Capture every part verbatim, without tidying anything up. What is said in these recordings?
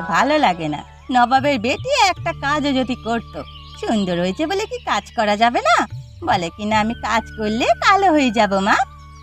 ভালো লাগে না। নবাবের বেটি একটা কাজও যদি করত, সুন্দর হয়েছে বলে কি কাজ করা যাবে না? বলে কিনা আমি কাজ করলে কালো হয়ে যাব মা।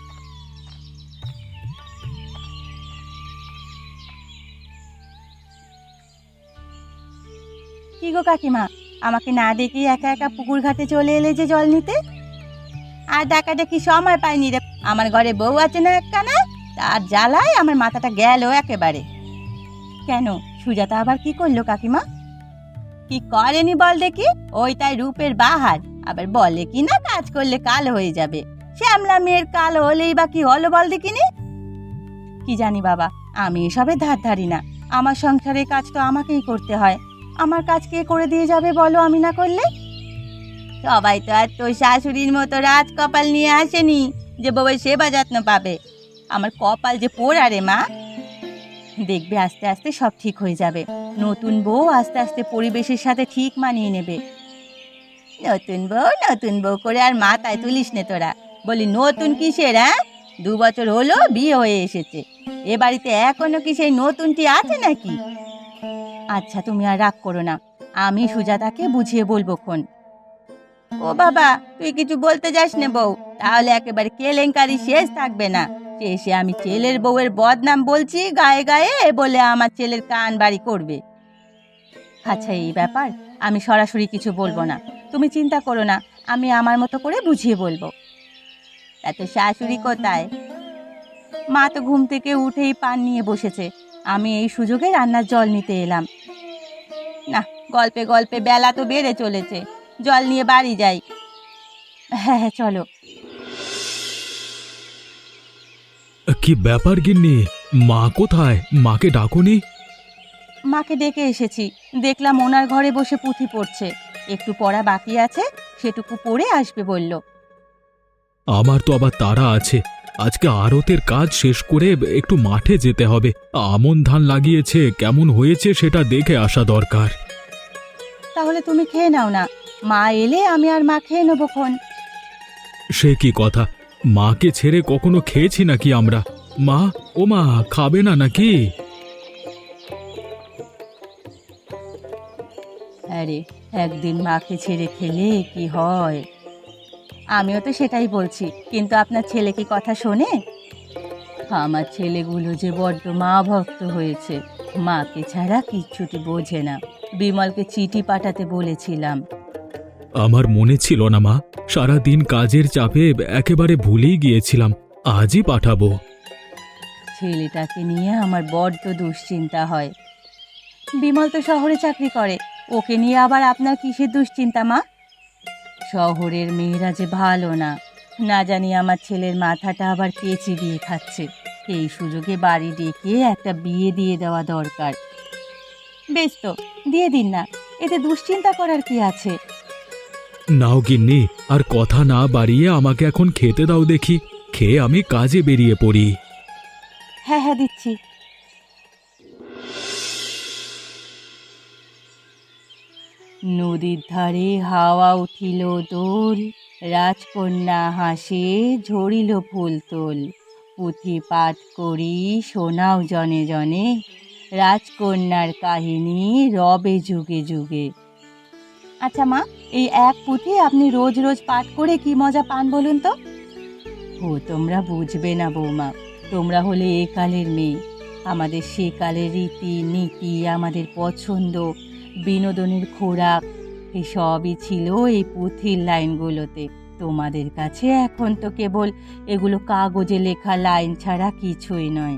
কি গো কাকিমা, আমাকে না দেখে একা একা পুকুর ঘাটে চলে এলে যে জল নিতে? আর দেখা দেখি সময় পাইনি রে। আমার ঘরে বউ আছে না একখানা, তার জ্বালায় আমার মাথাটা গেল একেবারে। কেন, সুজাতা আবার কি করলো কাকিমা? কি করেনি বল দেখি? ওই তাই রূপের বাহার, আবার বলে কি না কাজ করলে কালো হয়ে যাবে। শ্যামলা মেয়ের কালো হলেই বা কি হলো বল দেখিনি? কি জানি বাবা, আমি এসবে ধার ধারি না। আমার সংসারের কাজ তো আমাকেই করতে হয়। আমার কাজ কে করে দিয়ে যাবে বলো আমি না করলে? সবাই তো আর তোর শাশুড়ির মতো রাজ কপাল নিয়ে আসেনি যে বউয়ের সেবা যত্ন পাবে। আমার কপাল যে পোড়া রে মা। দেখবে আস্তে আস্তে সব ঠিক হয়ে যাবে। নতুন বউ আস্তে আস্তে পরিবেশের সাথে ঠিক মানিয়ে নেবে। নতুন বউ নতুন বউ করে আর মাথায় তুলিস নে তোরা। বলি নতুন কিসের? হ্যাঁ, দু বছর হলো বিয়ে হয়ে এসেছে, এ বাড়িতে এখনো কি সেই নতুনটি আছে নাকি? আচ্ছা তুমি আর রাগ করো না, আমি সুজাতাকে বুঝিয়ে বলবো খন। ও বাবা, তুই কিছু বলতে যাস না বউ, তাহলে একেবারে কেলেঙ্কারি শেষ থাকবে না। শেষে আমি ছেলের বউয়ের বদনাম বলছি গায়ে গায়ে বলে আমার ছেলের কান বাড়ি করবে। আচ্ছা এই ব্যাপার, আমি সরাসরি কিছু বলবো না, তুমি চিন্তা করো না, আমি আমার মতো করে বুঝিয়ে বলবো। এত শাশুড়ি কোথায়? মা তো ঘুম থেকে উঠেই পান নিয়ে বসেছে, আমি এই সুযোগে রান্নার জল নিতে এলাম। না, গল্পে গল্পে বেলা তো বেড়ে চলেছে, জল নিয়ে বাড়ি যাই। হ্যাঁ হ্যাঁ চলো। কি ব্যাপার গিন্নি, মা কোথায়? মাকে ডাকুনি? মাকে ডেকে এসেছি, দেখলাম ওনার ঘরে বসে পুঁথি পড়ছে। একটু পড়া বাকি আছে, সেটুকু পড়ে আসবে বলল। আমার তো আবার তাড়া আছে, আজকে আড়তের কাজ শেষ করে একটু মাঠে যেতে হবে। আমন ধান লাগিয়েছে, কেমন হয়েছে সেটা দেখে আসা দরকার। তাহলে তুমি খেয়ে নাও না, মা এলে আমি আর মা খেয়ে নেবো খন। সে কি কথা, মাকে ছেড়ে কখনো খেয়েছি নাকি আমরা? মা, ও মা, খাবে না নাকি? আরে, একদিন মাকে ছেড়ে খেলে কি হয়? আমিও তো সেটাই বলছি, কিন্তু আপনার ছেলে কি কথা শোনে? আমার ছেলেগুলো যে বড্ড মা ভক্ত হয়েছে, মাকে ছাড়া কিচ্ছুটি বোঝে না। বিমলকে চিঠি পাঠাতে বলেছিলাম। আমার মনে ছিল না মা, সারা দিন কাজের চাপে একেবারে ভুলেই গিয়েছিলাম। আজই পাঠাবো। ছেলেটাকে নিয়ে আমার বড্ড দুশ্চিন্তা হয়। বিমল তো শহরে চাকরি করে, ওকে নিয়ে আবার আপনার কিসের দুশ্চিন্তা মা? শহরের মেয়েরা যে ভালো না, না জানি আমার ছেলের মাথাটা আবার কে চিবিয়ে খাচ্ছে। এই সুযোগে বাড়ি ডেকে একটা বিয়ে দিয়ে দেওয়া দরকার। বেশ তো, দিয়ে দিন না, এতে দুশ্চিন্তা করার কি আছে? নাও গিন্নি, আর কথা না বাড়িয়ে আমাকে এখন খেতে দাও দেখি, খেয়ে আমি কাজে বেরিয়ে পড়ি। হ্যাঁ হ্যাঁ দিচ্ছি। নদীর ধারে হাওয়া উঠিল দোল, রাজকন্যা হাসে ঝরিল ফুল তোল। পুঁথি পাঠ করি শোনাও জনে জনে, রাজকন্যার কাহিনী রবে যুগে যুগে। আচ্ছা মা, এই এক পুঁথি আপনি রোজ রোজ পাঠ করে কি মজা পান বলুন তো? ও তোমরা বুঝবে না বৌমা, তোমরা হলে এ কালের মেয়ে। আমাদের সে কালের রীতি নীতি, আমাদের পছন্দ, বিনোদনের খোরাক, এসবই ছিল এই পুঁথির লাইনগুলোতে। তোমাদের কাছে এখন তো কেবল এগুলো কাগজে লেখা লাইন ছাড়া কিছুই নয়।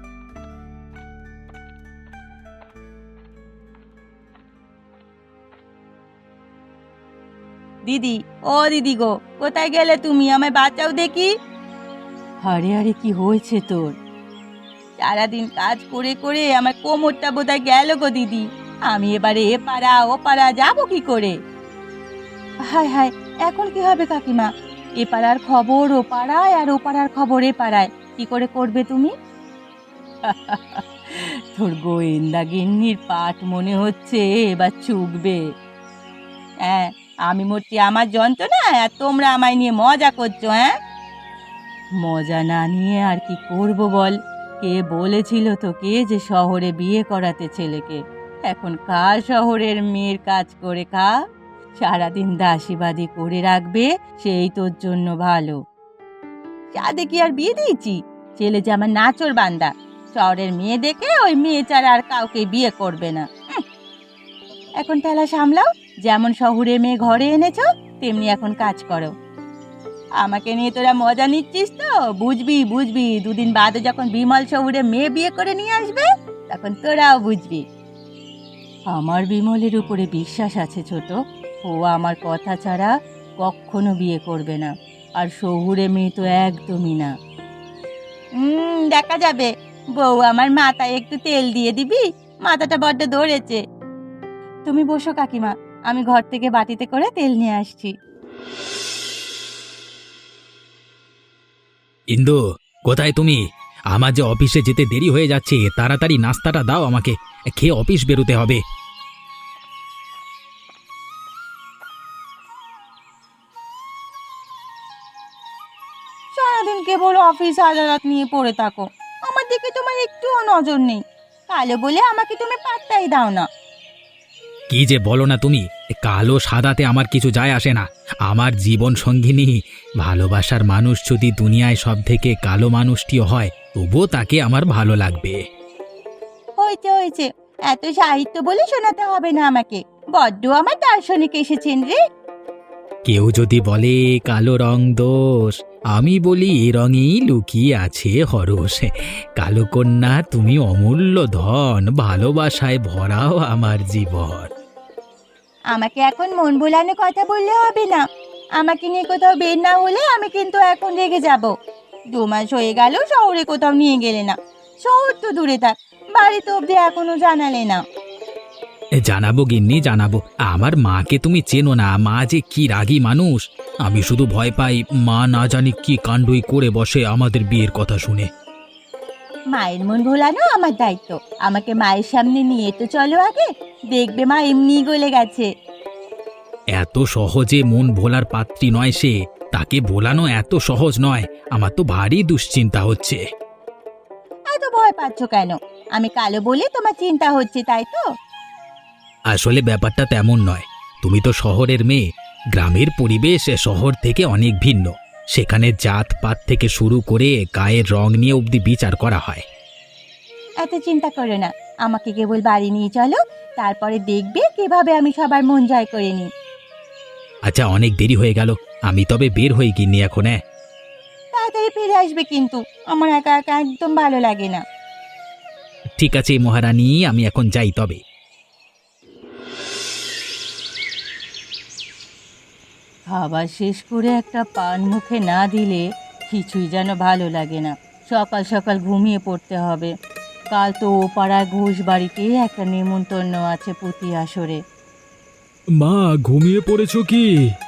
দিদি, ও দিদি গো, কোথায় গেলে তুমি? আমায় বাঁচাও দেখি। আরে আরে, কি হয়েছে তোর? সারাদিন কাজ করে করে আমার কোমরটা বোধহয় গেল গো দিদি। আমি এবারে এ পাড়া ও পাড়া যাবো কি করে? হায় হায়, এখন কি হবে কাকিমা? এ পাড়ার খবর ও পাড়ায়, আর ও পাড়ার খবর এ পাড়ায়, কি করে করবে তুমি? তোর গোয়েন্দা গিন্নির পাঠ মনে হচ্ছে এবার চুকবে। হ্যাঁ, আমি মরছি আমার যন্ত্রণা, আর তোমরা আমায় নিয়ে মজা করছো। হ্যাঁ, মজা না নিয়ে আর কি করব বল? কে বলেছিল তোকে যে শহরে বিয়ে করাতে ছেলেকে? এখন খা শহরের মেয়ের কাজ করে খা, সারাদিন দাসীবাদী করে রাখবে সেই তোর জন্য ভালো। চাঁদে কি আর বিয়ে দিয়েছি? ছেলে যে আমার নাচর বান্দা, শহরের মেয়ে দেখে ওই মেয়ে ছাড়া আর কাউকে বিয়ে করবে না। হুঁ। এখন ঠেলা সামলাও, যেমন শহরের মেয়ে ঘরে এনেছো তেমনি এখন কাজ করো। আমাকে নিয়ে তোরা মজা নিচ্ছিস তো? বুঝবি বুঝবি দুদিন বাদে যখন বিমল শহরে মেয়ে বিয়ে করে নিয়ে আসবে তখন তোরাও বুঝবি। আমার বিমলের উপরে বিশ্বাস আছে ছোট, ও আমার কথা ছাড়া কখনো বিয়ে করবে না, আর শহুরে মেয়ে তো একদমই না। হুম, দেখা যাবে। বউ আমার মাথায় একটু তেল দিয়ে দিবি, মাথাটা বড্ড ধরেছে। তুমি বসো কাকিমা, আমি ঘর থেকে বাটিতে করে তেল নিয়ে আসছি। ইন্দু, কোথায় তুমি? আমার যে অফিসে যেতে দেরি হয়ে যাচ্ছে, তাড়াতাড়ি নাস্তাটা দাও আমাকে, খেয়ে অফিস বেরোতে হবে। সারাদিন কেবল অফিস আদালত নিয়ে পড়ে থাকো, আমার দিকে তোমার একটুও নজর নেই। কালো বলে আমাকে তুমি পাত্তাই দাও না। কি যে বলো না তুমি, কালো সাদাতে আমার কিছু যায় আসে না। আমার জীবন সঙ্গিনী, ভালোবাসার মানুষ যদি দুনিয়ায় সব থেকে কালো মানুষটিও হয়, তবুও তাকে আমার ভালো লাগবে। হয়েছে হয়েছে, এত সাহিত্য বলে শোনাতে হবে না আমাকে। বড্ড আমার দার্শনিক এসেছেন রে। কেউ যদি বলে কালো রং দোষ, আমি বলি এ রঙেই লুকিয়ে আছে হরস। কালো কন্যা তুমি অমূল্য ধন, ভালোবাসায় ভরাও আমার জীবন। আমাকে এখন মন ভোলানো কথা বললে হবে না। আমাকে নিয়ে কোথাও বের না হলে আমি কিন্তু এখন রেগে যাব। দু মাস হয়ে গেল শহরে কোথাও নিয়ে গেলে না। শহর তো দূরে থাক, বাড়ি তো অব্দি এখনো জানালে না। জানাবো গিন্নি, জানাবো। আমার মাকে তুমি চেনো না, মা যে কি রাগী মানুষ। আমি শুধু ভয় পাই মা না জানি কি কাণ্ডই করে বসে আমাদের বিয়ের কথা শুনে। মায়ের মন ভোলানো আমার দায়িত্ব। আমাকে মায়ের সামনে নিয়ে তো চলো আগে, দেখবে মা এমনি গলে গেছে। এত সহজে মন ভোলার পাত্রী নয় সে, তাকে ভোলানো এত সহজ নয়। আমার তো ভারী দুশ্চিন্তা হচ্ছে। এত ভয় পাচ্ছ কেন? আমি কালো বলে তোমার চিন্তা হচ্ছে, তাই তো? আসলে ব্যাপারটা তেমন নয়। তুমি তো শহরের মেয়ে, গ্রামের পরিবেশ শহর থেকে অনেক ভিন্ন। সেখানে জাতপাত থেকে শুরু করে গায়ের রং নিয়ে অবধি বিচার করা হয়। এত চিন্তা করো না, আমাকে কেবল বাড়ি নিয়ে চলো, তারপরে দেখবে কিভাবে আমি সবার মন জয় করে নিই। আচ্ছা, অনেক দেরি হয়ে গেল, আমি তবে বের হয়ে গিনি এখন। হ্যাঁ, তাড়াতাড়ি ফিরে আসবে কিন্তু, আমার একা একা একদম ভালো লাগে না। ঠিক আছে মহারানী, আমি এখন যাই তবে। খাবার শেষ করে একটা পান মুখে না দিলে কিছুই যেন ভালো লাগে না। সকাল সকাল ঘুমিয়ে পড়তে হবে। কাল তো ও পাড়ার ঘোষ বাড়িতে একটা নেমন্তন্ন আছে প্রতি আসরে। মা, ঘুমিয়ে পড়েছো কি?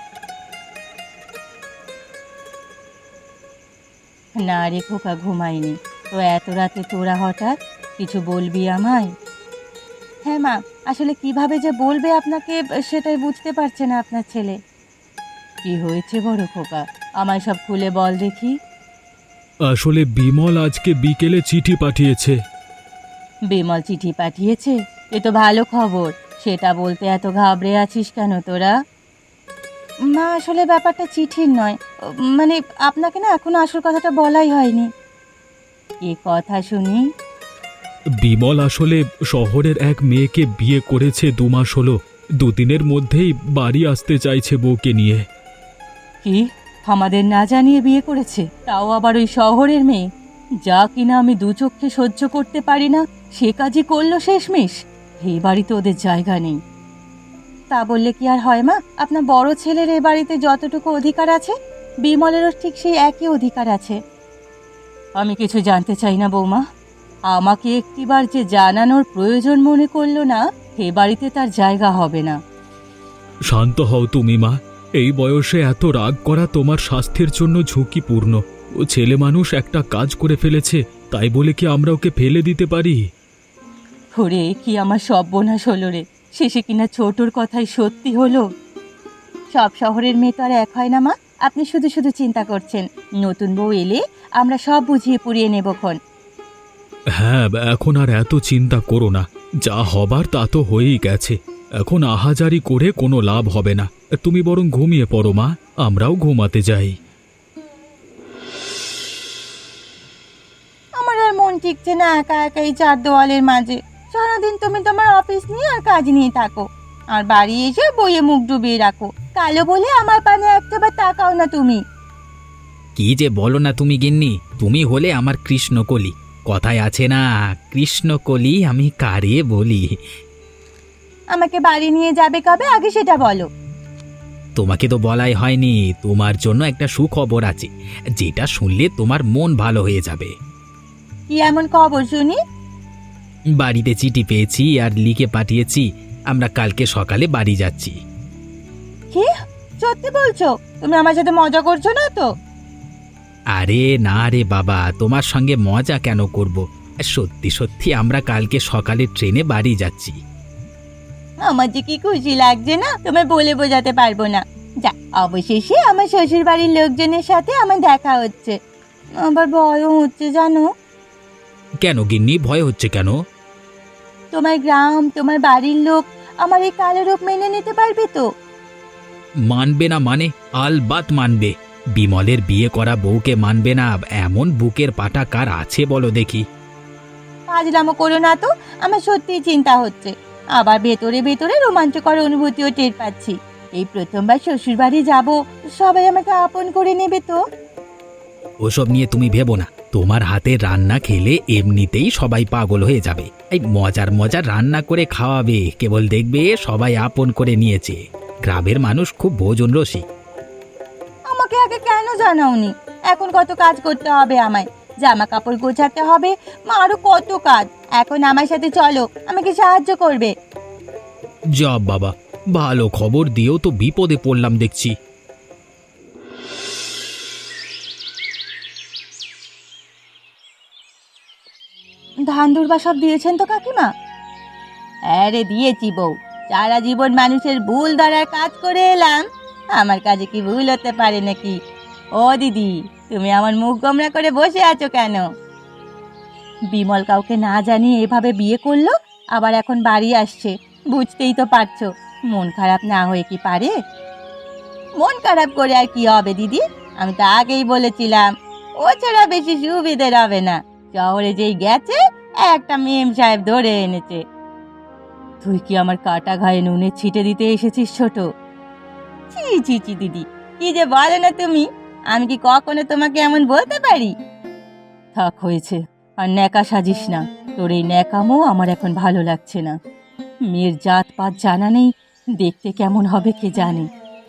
না রে খোকা, ঘুমাইনি তো। এত রাতে তোরা হঠাৎ কিছু বলবি আমায়? হ্যাঁ মা, আসলে কিভাবে যে বলবে আপনাকে সেটাই বুঝতে পারছে না আপনার ছেলে। কি হয়েছে বড় খোকা, আমায় সব খুলে বল দেখি। আসলে বিমল আজকে বিকেলে চিঠি পাঠিয়েছে। বিমল চিঠি পাঠিয়েছে? এ তো ভালো খবর। সেটা বলতে এত ঘাবড়ে আছিস কেন তোরা? মা, আসলে ব্যাপারটা চিঠির নয়, মানে আপনাকে না এখনো আসল কথাটা বলাই হয়নি। এ কথা শুনি। বিমল আসলে শহরের এক মেয়েকে বিয়ে করেছে, দু মাস হলো। দুদিনের মধ্যেই বাড়ি আসতে চাইছে বউকে নিয়ে। কি, আমাদের না জানিয়ে বিয়ে করেছে? তাও আবার ওই শহরের মেয়ে, যা কিনা আমি দু চোখে সহ্য করতে পারি না, সে কাজই করলো শেষমেশ। এই বাড়িতে ওদের জায়গা নেই। তা বললে কি আর হয় মা? আপনার বড় ছেলের এ বাড়িতে যতটুকু অধিকার আছে, বিমলেরও ঠিক সেই একই অধিকার আছে। আমি কিছু জানতে চাই না বৌমা। আমাকে একটিবার যে জানানোর প্রয়োজন মনে করলো না, এ বাড়িতে তার জায়গা হবে না। শান্ত হও তুমি মা। এই বয়সে এত রাগ করা তোমার স্বাস্থ্যের জন্য ঝুঁকিপূর্ণ। ও ছেলে মানুষ একটা কাজ করে ফেলেছে, তাই বলে কি আমরা ওকে ফেলে দিতে পারি? ওরে, কি আমার সর্বনাশ হলো রে! শেষে কিনা ছোটর কথাই সত্যি হলো। সব শহরের মেয়ে তো আর এক হয় না মা। আপনি শুধু শুধু চিন্তা করছেন। নতুন বউ এলে আমরা সব বুঝিয়ে পুড়িয়ে নেবক্ষণ। হ্যাঁ, এখন আর এত চিন্তা করো না। যা হবার তা তো হয়েই গেছে। এখন আহাজারি করে কোনো লাভ হবে না। তুমি বরং ঘুমিয়ে পড়ো মা, আমরাও ঘুমাতে যাই। আমার আর মন ঠিকছে না একা একা এই চার দেওয়ালের মাঝে। সারাদিন তুমি তোমার অফিস নিয়ে আর কাজ নিয়ে থাকো, আর বাড়ি এসে বইয়ে মুখ ডুবিয়ে রাখো। কালো বলে আমার পানে একটাবার তাকাও না তুমি। কি যে বলো না তুমি গিন্নি, তুমি হলে আমার কৃষ্ণকলি। কথায় আছে না, কৃষ্ণকলি আমি কারে বলি। আমাকে বাড়ি নিয়ে যাবে কবে আগে সেটা বলো। তোমাকে তো বলাই হয়নি, তোমার জন্য একটা সুখবর আছে, যেটা শুনলে তোমার মন ভালো হয়ে যাবে। কি এমন খবর শুনি? বাড়িতে চিঠি পেয়েছি আর লিখে পাঠিয়েছি, আমরা কালকে সকালে বাড়ি যাচ্ছি। কি সত্যি বলছো? তুমি আমার সাথে মজা করছো না তো? আরে না রে বাবা, তোমার সঙ্গে মজা কেন করব, সত্যি সত্যি আমরা কালকে সকালে ট্রেনে বাড়ি যাচ্ছি। আমার যে কি খুশি লাগছে না, তোমায় বলে বোঝাতে পারবো না। যা, অবশেষে আমার শ্বশুর বাড়ির লোকজনের সাথে আমার দেখা হচ্ছে। আবার ভয়ও হচ্ছে জানো। কেন গিন্নি, ভয় হচ্ছে কেন? তোমার গ্রাম, তোমার বাড়ির লোক আমার এই কালো রূপ মেনে নিতে পারবে তো? মানবে না মানে? আলবাত মানবে। বিমলের বিয়ে করা বউকে মানবে না এমন বুকের পাটা কার আছে বলো দেখি? ফাজলামো করো না তো, আমার সত্যিই চিন্তা হচ্ছে। আবার ভেতরে ভেতরে রোমাঞ্চকর অনুভূতিও টের পাচ্ছি। এই প্রথমবার শ্বশুর বাড়ি যাবো, সবাই আমাকে আপন করে নেবে তো? ওসব নিয়ে তুমি ভেবো না, তোমার হাতের রান্না খেলে এমনিতেই সবাই পাগল হয়ে যাবে। এই মজার মজার রান্না করে খাওয়াবে, কেবল দেখবে সবাই আপন করে নিয়েছে। গ্রামের মানুষ খুব ভোজন রসিক। আমাকে আগে কেন জানাওনি? এখন কত কাজ করতে হবে আমায়, জামা কাপড় গোছাতে হবে, মা আরো কত কাজ। এখন আমার সাথে চলো, আমাকে সাহায্য করবে। যা বাবা, ভালো খবর দিয়েও তো বিপদে পড়লাম দেখছি। ধান দুর্বা সব দিয়েছেন তো কাকিমা? হ্যাঁ রে, দিয়েছি বউ। সারা জীবন মানুষের ভুল ধরার কাজ করে এলাম, আমার কাজে কি ভুল হতে পারে নাকি? ও দিদি, তুমি আমার মুখ গোমরা করে বসে আছো কেন? বিমল কাউকে না জানিয়ে এভাবে বিয়ে করলো, আবার এখন বাড়ি আসছে। বুঝতেই তো পারছো, মন খারাপ না হয়ে কি পারে? মন খারাপ করে আর কি হবে দিদি? আমি তো আগেই বলেছিলাম ও ছাড়া বেশি সুবিধের হবে না। শহরে যেই গেছে, একটা মেম সাহেব ধরে এনেছে। তুই কি আমার কাটা ঘায়ে নুনে ছিটে দিতে এসেছিস ছোট? ছি ছি ছি দিদি, কি যে বলে না তুমি! আমি কি কখনো তোমাকে এমন বলতে পারি? থাক, হয়েছে। আর ন্যাকা সাজিস না, তোর এই ন্যাকামো আমার এখন ভালো লাগছে না। মেয়ের জাত পাত জানা নেই, দেখতে কেমন হবে কে জানে।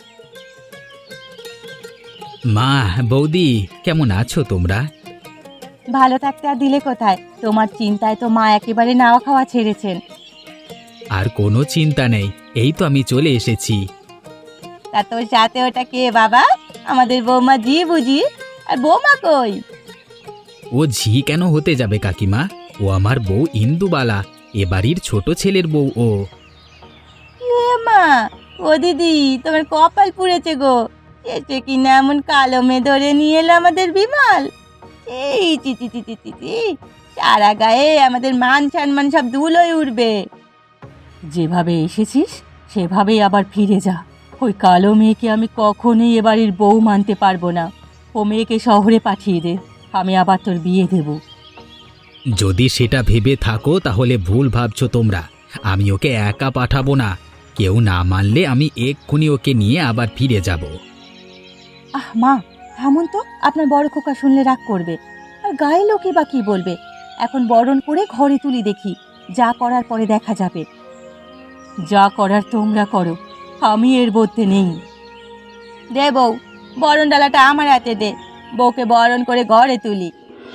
মা, বৌদি, কেমন আছো তোমরা? ভালো থাকতে আর দিলে কোথায়? তোমার চিন্তায় তো মা একেবারে নাওয়া খাওয়া ছেড়েছেন। আর কোনো চিন্তা নেই, এই তো আমি চলে এসেছি। তা তোর সাথে ওটা কে বাবা? আমাদের বৌমা জি বুঝি? আর বৌমা কই? ও ঝি কেন হতে যাবে কাকিমা? ও আমার বউ ইন্দুবালা, এ বাড়ির ছোট ছেলের বউ ও। এ মা, ও দিদি, তোমার কপাল পুড়েছে গো। শেষে কিনা এমন কালো মেয়ে ধরে নিয়ে এলো আমাদের বিমল। এই চি চি চি চি চি চি, সারা গায়ে আমাদের মান সম্মান সব ধুলোয় উঠবে। যেভাবে এসেছিস সেভাবেই আবার ফিরে যা। ওই কালো মেয়েকে আমি কখনোই এ বাড়ির বউ মানতে পারবো না। ও মেয়েকে শহরে পাঠিয়ে দে, আমি আবার তোর বিয়ে দেব। যদি সেটা ভেবে থাকো তাহলে ভুল ভাবছো তোমরা। আমি ওকে একা পাঠাবো না, কেউ না মানলে আমি এক্ষুনি ওকে নিয়ে আবার ফিরে যাব। আহ মা, থামুন তো, আপনার বড় খোকা শুনলে রাগ করবে। আর গায়ে লোকে বা কি বলবে? এখন বরণ করে ঘরে তুলি দেখি, যা করার পরে দেখা যাবে। যা করার তোমরা করো, আমি এর মধ্যে নেই। দে বউ, বরণ ডালাটা আমার হাতে দে, বউকে বরণ করে ঘরে তুলি।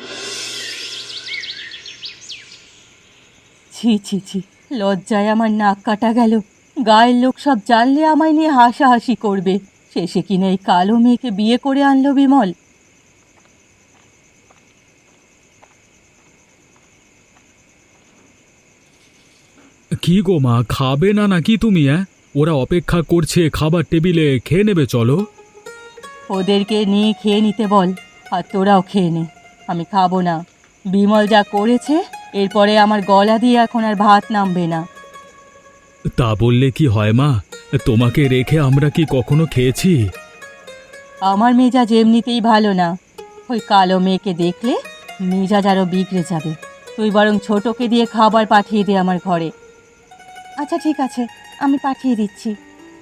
ছি ছি ছি, লজ্জায় আমার নাক কাটা গেল। গায়ের লোক সব জানলে আমায় নিয়ে হাসাহাসি করবে। শেষে কিনা এই কালো মেয়েকে বিয়ে করে আনলো বিমল। কি গো মা, খাবে না নাকি তুমি? হ্যাঁ, ওরা অপেক্ষা করছে খাবার টেবিলে, খেয়ে নেবে চলো। ওদেরকে নিয়ে খেয়ে নিতে বল, আর তোরাও খেয়ে নে। আমি খাবো না। বিমল যা করেছে এরপরে আমার গলা দিয়ে এখন আর ভাত নামবে না। তা বললে কি হয় মা? তোমাকে রেখে আমরা কি কখনো খেয়েছি? আমার মেজাজ এমনিতেই ভালো না, ওই কালো মেয়েকে দেখলে মেজাজ আরও বিগড়ে যাবে। তুই বরং ছোটকে দিয়ে খাবার পাঠিয়ে দে আমার ঘরে। আচ্ছা ঠিক আছে, আমি পাঠিয়ে দিচ্ছি।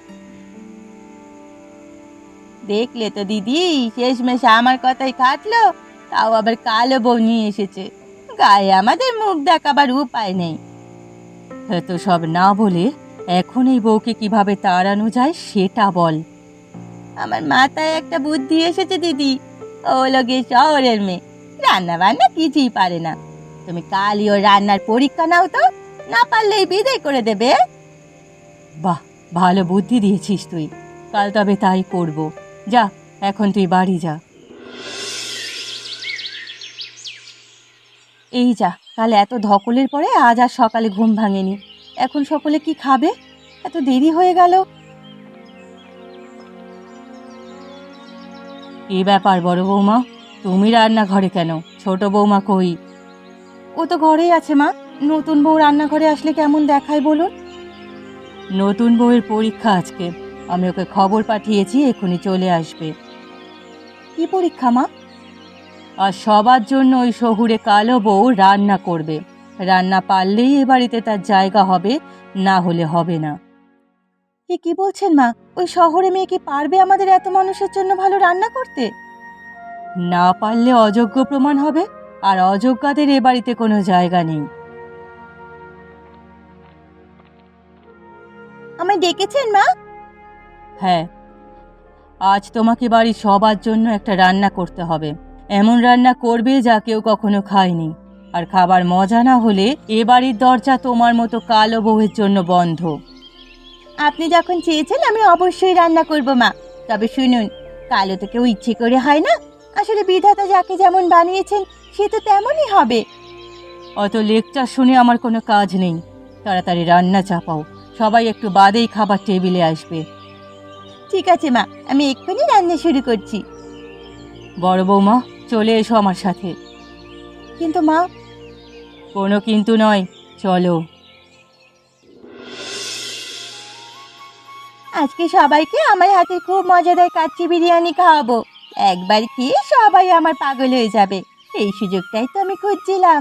দেখলে তো দিদি, শেষমেশ আমার কথাই খাটলো, তাও আবার কালো বউ নিয়ে এসেছে। গায়ে আমাদের মুখ দেখাবার উপায় নেই। এত সব না বলে এখন এই বউকে কিভাবে তাড়ানো যায় সেটা বল। আমার মাথায় একটা বুদ্ধি এসেছে দিদি। ও লোকে শহরের মেয়ে, রান্না বান্না কিছুই পারে না। তুমি কালই ওর রান্নার পরীক্ষা নাও তো, না পারলেই বিদায় করে দেবে। বাহ, ভালো বুদ্ধি দিয়েছিস তুই। কাল তবে তাই করব। যা, এখন তুই বাড়ি যা। এই যা, কাল এত ধকলের পরে আজ আর সকালে ঘুম ভাঙেনি। এখন সকলে কি খাবে? এত দেরি হয়ে গেল। কি ব্যাপার বড় বৌমা, তুমি রান্নাঘরে কেন? ছোট বৌমা কই? ও তো ঘরেই আছে মা। নতুন বউ রান্নাঘরে আসলে কেমন দেখায় বলুন? নতুন বউয়ের পরীক্ষা আজকে, আমি ওকে খবর পাঠিয়েছি, এক্ষুনি চলে আসবে। কি পরীক্ষা মা? আর সবার জন্য ওই শহুরে কালো বউ রান্না করবে। রান্না পারলেই এ বাড়িতে তার জায়গা হবে, না হলে হবে না। এ কি বলছেন মা? ওই শহরে মেয়ে কি পারবে আমাদের এত মানুষের জন্য ভালো রান্না করতে? না পারলে অযোগ্য প্রমাণ হবে, আর অযোগ্যদের এ বাড়িতে কোনো জায়গা নেই। আমায় ডেকেছেন মা? হ্যাঁ, আজ তোমাকে বাড়ির সবার জন্য একটা রান্না করতে হবে। এমন রান্না করবে যা কেউ কখনো খায়নি। আর খাবার মজা না হলে এ বাড়ির দরজা তোমার মতো কালো বউয়ের জন্য বন্ধ। আপনি যখন চেয়েছেন আমি অবশ্যই রান্না করব মা। তবে শুনুন, কালো তো কেউ ইচ্ছে করে হয় না। আসলে বিধাতা যাকে যেমন বানিয়েছেন সে তো তেমনই হবে। অত লেকচার শুনে আমার কোনো কাজ নেই। তাড়াতাড়ি রান্না চাপাও, সবাই একটু বাদেই খাবার টেবিলে আসবে। ঠিক আছে মা, আমি এক্ষুনি রান্না শুরু করছি। বড় বৌমা, চলে এসো আমার সাথে। কিন্তু মা। কোনো কিন্তু নয়, চলো। আজকে সবাইকে আমার হাতে খুব মজাদার কাচ্চি বিরিয়ানি খাওয়াবো। একবার খেয়ে সবাই আমার পাগল হয়ে যাবে। এই সুযোগটাই তো আমি খুঁজছিলাম।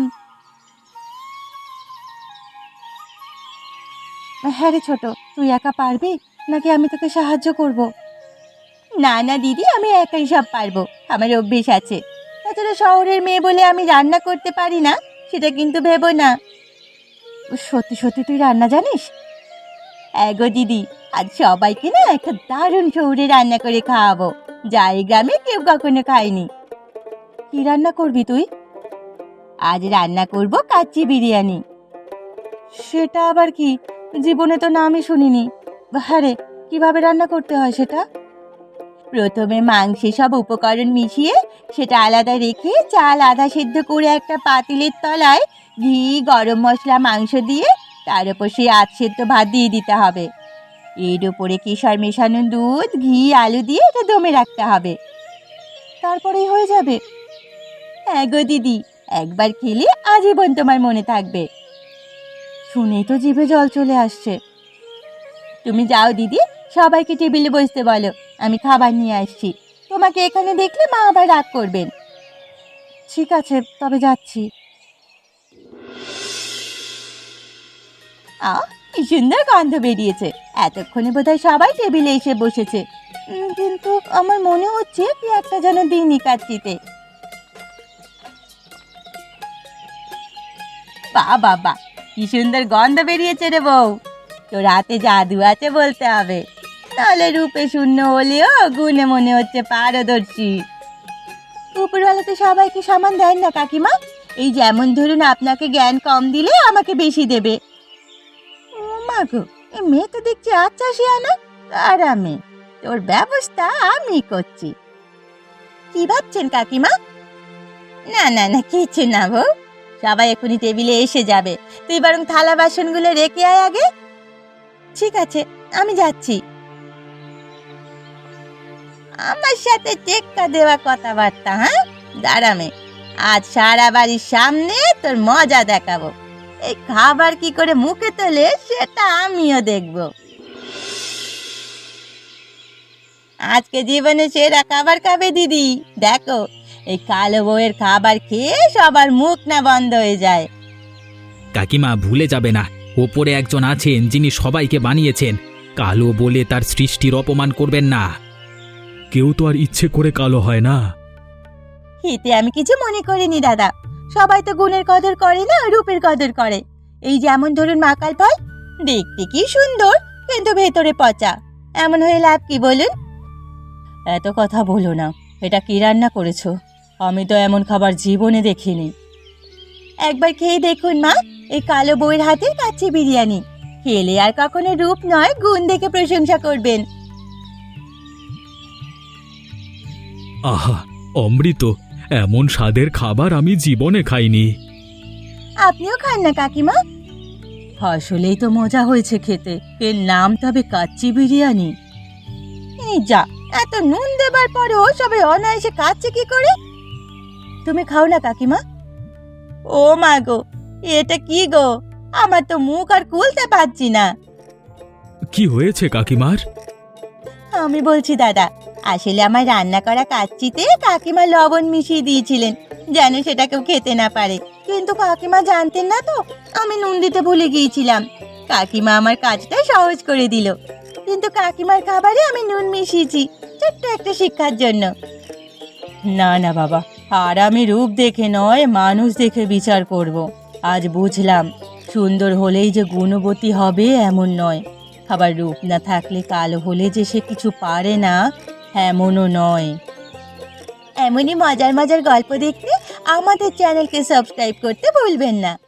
হ্যাঁ রে ছোট, তুই একা পারবি নাকি আমি তোকে সাহায্য করব? না না দিদি, আমি একাই সব পারবো। আমার অভ্যেস আছে। তাছাড়া শহরের মেয়ে বলে আমি রান্না করতে পারি না সেটা কিন্তু ভেবো না। সত্যি সত্যি তুই রান্না জানিস? এগো দিদি, আজ সবাইকে না একটা দারুণ শহরে রান্না করে খাওয়াবো, যা এই গ্রামে কেউ কখনো খায়নি। কি রান্না করবি তুই? আজ রান্না করব কাচ্চি বিরিয়ানি। সেটা আবার কি? জীবনে তো নামই শুনিনি। হ্যাঁ রে, কিভাবে রান্না করতে হয় সেটা? প্রথমে মাংসে সব উপকরণ মিশিয়ে সেটা আলাদা রেখে চাল আধা সেদ্ধ করে একটা পাতিলের তলায় ঘি, গরম মশলা, মাংস দিয়ে তার উপর সেই আধ সেদ্ধ ভাত দিয়ে দিতে হবে। এর উপরে কেশর মেশানো দুধ, ঘি, আলু দিয়ে এটা দমে রাখতে হবে। তারপরেই হয়ে যাবে? হ্যাঁ গো দিদি, একবার খেলে আজীবন তোমার মনে থাকবে। শুনেই তো জিভে জল চলে আসছে। তুমি যাও দিদি, সবাইকে টেবিলে বসতে বলো, আমি খাবার নিয়ে আসছি। তোমাকে এখানে দেখলে মা আবার রাগ করবেন। ঠিক আছে, তবে যাচ্ছি। আহ, কি সুন্দর গন্ধ বেরিয়েছে। এতক্ষণে বোধহয় সবাই টেবিলে এসে বসেছে। উম, কিন্তু আমার মনে হচ্ছে কি একটা যেন দিনই কাচ্চিতে। বাহ বাহ বাহ, কি সুন্দর গন্ধ বেরিয়েছে রে বউ। তোর হাতে জাদু আছে বলতে হবে, নাহলে রূপে শূন্য হলেও গুণে মনে হচ্ছে পারদর্শী। উপরওয়ালা তো সবাইকে সমান দেন না কাকিমা। এই যেমন ধরুন, আপনাকে জ্ঞান কম দিলে আমাকে বেশি দেবে। ও মা গো, এ মেয়ে তো দেখছি আচ্ছা শিয়ানা। আরামে তোর ব্যবস্থা আমি করছি। কি ভাবছেন কাকিমা? না না না, কিছু না বউ। সবাই এখনই টেবিলে এসে যাবে। তুই বরং থালা বাসনগুলো রেখে আয় আগে। ঠিক আছে, আমি যাচ্ছি। আমার সাথে টেক্কা দেওয়া কথাবার্তা, হ্যাঁ? দাঁড়ামে, আজ সারা বাড়ির সামনে তোর মজা দেখাবো। এই খাবার কি করে মুখে তোলে সেটা আমিও দেখব। আজকে জীবনে সেরা খাবার খাবে দিদি, দেখো এই কালো বউয়ের খাবার খেয়ে সবার মুখ না বন্ধ হয়ে যায়। কাকিমা ভুলে যাবে না, ওপরে একজন আছেন যিনি সবাইকে বানিয়েছেন। কালো বলে তার সৃষ্টির অপমান করবেন না। কেউ তো আর ইচ্ছে করে কালো হয় না। এতে আমি কিছু মনে করিনি দাদা, সবাই তো গুণের কদর করে না, রূপের কদর করে। এই যেমন ধরুন মাকাল ফল, দেখতে কি সুন্দর কিন্তু ভেতরে পচা, এমন হয়ে লাভ কি বলুন? এত কথা বলো না, এটা কি রান্না করেছো? আমি তো এমন খাবার জীবনে দেখিনি। একবার খেয়ে দেখুন মা, এই কালো বউয়ের হাতের কাচ্চি বিরিয়ানি। খেলে আর কখনো রূপ নয় গুণ দেখে প্রশংসা করবেন। আহা, অমৃত! এমন স্বাদের খাবার আমি জীবনে খাইনি। আপনিও খান না কাকিমা। আসলেই তো মজা হয়েছে খেতে। এর নাম তবে কাচ্চি বিরিয়ানি। এই যা, এত নুন দেবার পরেও সবাই অনায়াসে খাচ্ছে কি করে? তুমি খাও না কাকিমা। ও মা গো, এটা কি গো, আমার তো মুখ আর খুলতে পারছি না। কি হয়েছে কাকিমার? আমি বলছি দাদা, আসলে আমার রান্না করা কাচ্চিতে কাকিমা লবণ মিশিয়ে দিয়েছিলেন যেন সেটা কেউ খেতে না পারে, কিন্তু কাকিমা জানতেন না তো আমি নুন দিতে ভুলে গিয়েছিলাম। কাকিমা আমার কাজটা সহজ করে দিল, কিন্তু কাকিমার খাবারে আমি নুন মিশিয়েছি ছোট্ট একটা শিক্ষার জন্য। না না বাবা, আর আমি রূপ দেখে নয় মানুষ দেখে বিচার করব। আজ বুঝলাম সুন্দর হলেই যে গুণবতী হবে এমন নয়, আবার রূপ না থাকলে কালো হলে যে সে কিছু পারে না এমনও নয়। এমনই মজার মজার গল্প দেখতে আমাদের চ্যানেলকে সাবস্ক্রাইব করতে ভুলবেন না।